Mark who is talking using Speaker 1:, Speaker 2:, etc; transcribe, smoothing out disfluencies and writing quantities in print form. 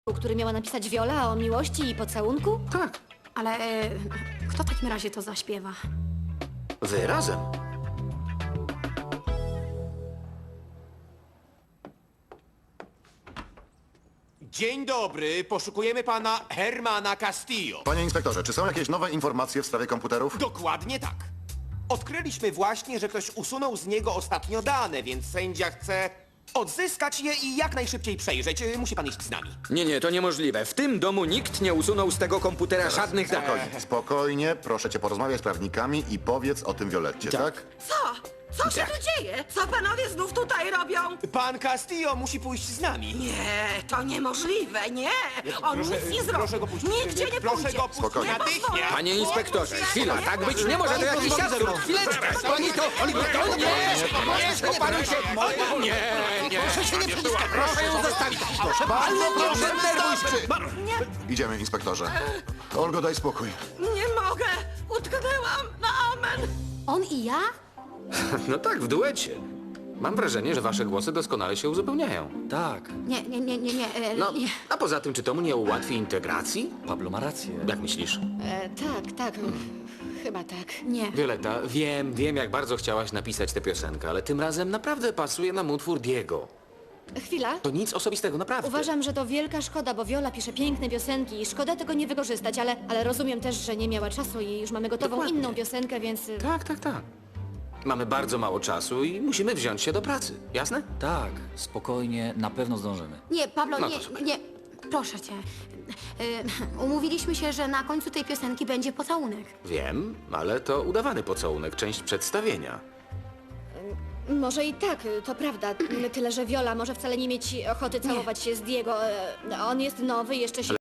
Speaker 1: który miała napisać Viola o miłości i pocałunku?
Speaker 2: Tak,
Speaker 3: Ale kto w takim razie to zaśpiewa?
Speaker 2: wy razem.
Speaker 4: Dzień dobry, poszukujemy pana Hermana Castillo.
Speaker 5: Panie inspektorze, czy są jakieś nowe informacje w sprawie komputerów?
Speaker 4: Dokładnie tak. Odkryliśmy właśnie, że ktoś usunął z niego ostatnio dane, więc sędzia chce odzyskać je i jak najszybciej przejrzeć. Musi pan iść z nami.
Speaker 6: Nie, to niemożliwe. W tym domu nikt nie usunął z tego komputera żadnych danych.
Speaker 5: Spokojnie, proszę cię porozmawiać z prawnikami i powiedz o tym Violetcie, tak?
Speaker 7: Co się tu dzieje? Co panowie znów tutaj robią?
Speaker 4: Pan Castillo musi pójść z nami.
Speaker 7: Nie, to niemożliwe, nie! On nic nie zrobi.
Speaker 4: Proszę go puścić.
Speaker 7: Nigdzie nie
Speaker 4: Proszę
Speaker 7: pójdzie.
Speaker 4: go puścić
Speaker 5: Spokojnie.
Speaker 4: natychmiast.
Speaker 6: Panie inspektorze, chwila, tak być nie może, to jakiś absurd. Chwileczkę, pani to... Nie, opanuj się. Nie, proszę się nie wciskać, proszę ją zostawić. Proszę,
Speaker 5: Idziemy, inspektorze. Olgo, daj spokój.
Speaker 7: Nie mogę! Utknęłam na amen!
Speaker 1: On i ja?
Speaker 2: No tak, w duecie. Mam wrażenie, że wasze głosy doskonale się uzupełniają.
Speaker 8: Tak,
Speaker 1: Nie.
Speaker 2: No,
Speaker 1: Nie.
Speaker 2: a poza tym, czy to mu nie ułatwi integracji?
Speaker 8: Pablo ma rację.
Speaker 2: Jak myślisz?
Speaker 1: Tak. Chyba tak.
Speaker 3: Nie.
Speaker 2: Violetta, wiem, jak bardzo chciałaś napisać tę piosenkę, ale tym razem naprawdę pasuje nam utwór Diego.
Speaker 1: Chwila.
Speaker 2: To nic osobistego, naprawdę.
Speaker 1: Uważam, że to wielka szkoda, bo Viola pisze piękne piosenki i szkoda tego nie wykorzystać, ale rozumiem też, że nie miała czasu i już mamy gotową
Speaker 2: Dokładnie.
Speaker 1: inną piosenkę, więc...
Speaker 2: Tak. Mamy bardzo mało czasu i musimy wziąć się do pracy, jasne?
Speaker 8: Tak, spokojnie, na pewno zdążymy.
Speaker 3: Nie, Pablo,
Speaker 2: No to super.
Speaker 3: nie. Proszę cię. Umówiliśmy się, że na końcu tej piosenki będzie pocałunek.
Speaker 2: Wiem, ale to udawany pocałunek, część przedstawienia.
Speaker 1: Może i tak, to prawda. Tyle, że Viola może wcale nie mieć ochoty całować się z Diego. On jest nowy, jeszcze się